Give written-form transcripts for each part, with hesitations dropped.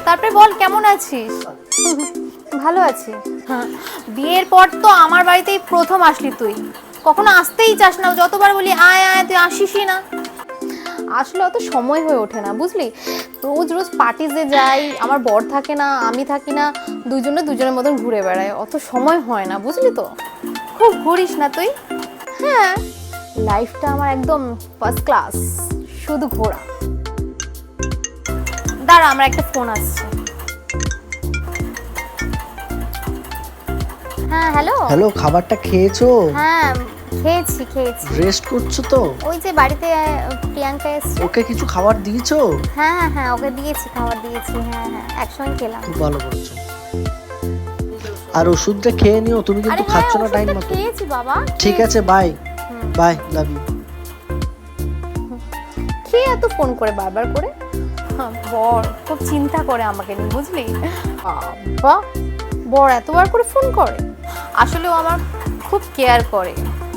তারপরে বল কেমন আছিস? ভালো আছি। বিয়ের পর তো আমার বাড়িতেই প্রথম আসলি তুই, কখনো আসতেই চাস না, যতবার বলি আয় আয় তুই আসিসই না। আসলে অত সময় হয়ে ওঠে না বুঝলি, রোজ রোজ পার্টিতে যাই, আমার বর থাকে না, আমি থাকি না, দুজনের মতন ঘুরে বেড়াই, অত সময় হয় না বুঝলি তো। খুব ঘুরিস না তুই? হ্যাঁ, লাইফটা আমার একদম ফার্স্ট ক্লাস, শুধু ঘোরা। দাঁড়া, আমার একটা ফোন আসছে। হ্যাঁ হ্যালো। হ্যালো, খাবারটা খেয়েছো? হ্যাঁ খেয়েছি। রেস্ট করছো তো? ওই যে বাড়িতে প্রিয়াঙ্কা এসছে। ওকে কিছু খাবার দিয়েছো? হ্যাঁ ওকে দিয়েছি, খাবার দিয়েছি। হ্যাঁ একসঙ্গে খেলাম। খুব ভালো করেছো। আর ওষুধটা খেয়ে নিও, তুমি কিন্তু খাচ্ছ না টাইম মতো। খেয়েছি বাবা। ঠিক আছে, বাই বাই, লাভ ইউ। কে এত ফোন করে বারবার করে? বর খুব চিন্তা করে আমাকে নিয়ে বুঝলি। বাবা, বর এতবার করে ফোন করে? আসলে ও আমার খুব কেয়ার করে।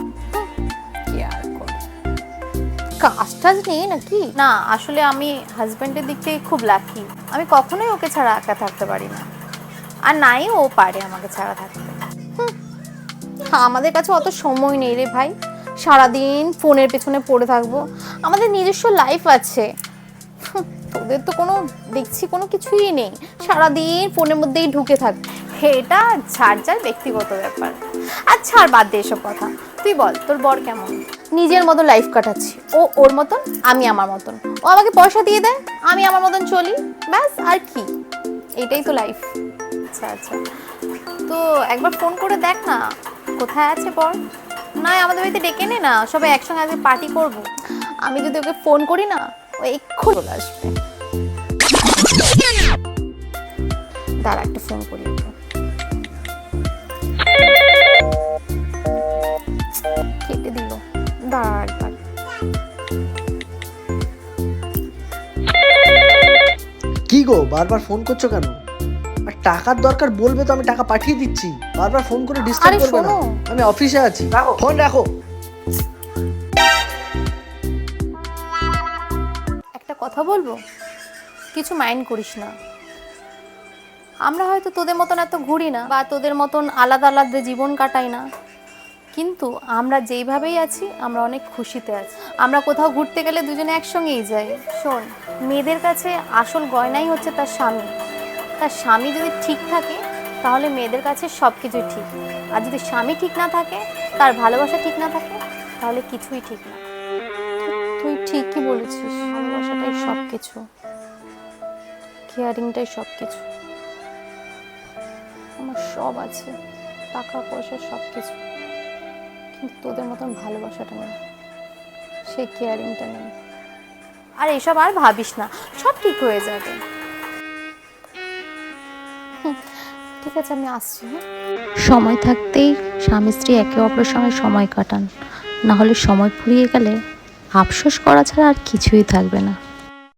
কাজটা নেই নাকি? না, আসলে আমি হাজবেন্ডের দিক থেকে খুব লাকি। আমি কখনোই ওকে ছাড়া একা থাকতে পারি না, আর নাই ও পারে আমাকে ছাড়া থাকতে। আমাদের কাছে অত সময় নেই রে ভাই, সারাদিন ফোনের পেছনে পড়ে থাকবো। আমাদের নিজস্ব লাইফ আছে, তোদের তো কোনো দেখছি কোনো কিছুই নেই, সারাদিন ফোনের মধ্যেই ঢুকে থাক। এটা যার ব্যক্তিগত ব্যাপার। আর ছাড়, বাদ দে এসব কথা। তুই বল, তোর বর কেমন? নিজের মতো লাইফ কাটাচ্ছি, ও ওর মতন, আমি আমার মতন। ও আমাকে পয়সা দিয়ে দেয়, আমি আমার মতন চলি, ব্যাস। আর কি, এটাই তো লাইফ। আচ্ছা, তো একবার ফোন করে দেখ না কোথায় আছে বর। না, আমাদের বাড়িতে ডেকে নে না, সবাই একসঙ্গে আজকে পার্টি করব। আমি যদি ওকে ফোন করি না, ও এক্ষুনি চলে আসবে। দাঁড়া, একটা ফোন করি ওকে। কেটে দিল, দাঁড়া একবার। কি গো, বারবার ফোন করছো কেন? আর টাকার দরকার বলবে তো আমি টাকা পাঠিয়ে দিচ্ছি, বারবার ফোন করে ডিস্টার্ব করবে না। আমি অফিসে আছি, ফোন রাখো। একটা কথা বলবো, কিছু মাইন্ড করিস না। আমরা হয়তো তোদের মতন এত ঘুরি না, বা তোদের মতন আলাদা আলাদা জীবন কাটাই না, কিন্তু আমরা যেইভাবেই আছি আমরা অনেক খুশিতে আছি। আমরা কোথাও ঘুরতে গেলে দুজনে একসঙ্গেই যাই। শোন, মেয়েদের কাছে আসল গয়নাই হচ্ছে তার স্বামী। তার স্বামী যদি ঠিক থাকে তাহলে মেয়েদের কাছে সব কিছুই ঠিক। আর যদি স্বামী ঠিক না থাকে, তার ভালোবাসা ঠিক না থাকে, তাহলে কিছুই ঠিক না। তুই ঠিকই বলেছিস, ভালোবাসাটাই সব কিছু, কেয়ারিংটাই সব কিছু। আমার সব আছে, টাকা পয়সা সব কিছু, কিন্তু তোদের মতন ভালোবাসাটা নেই, সেই কেয়ারিংটা নেই। আর এসব আর ভাবিস না, সব ঠিক হয়ে যাবে। ঠিক আছে, আমি আসছি। সময় থাকতেই স্বামী স্ত্রী একে অপরের সঙ্গে সময় কাটান, না হলে সময় ফুরিয়ে গেলে আফসোস করা ছাড়া আর কিছুই থাকবে না।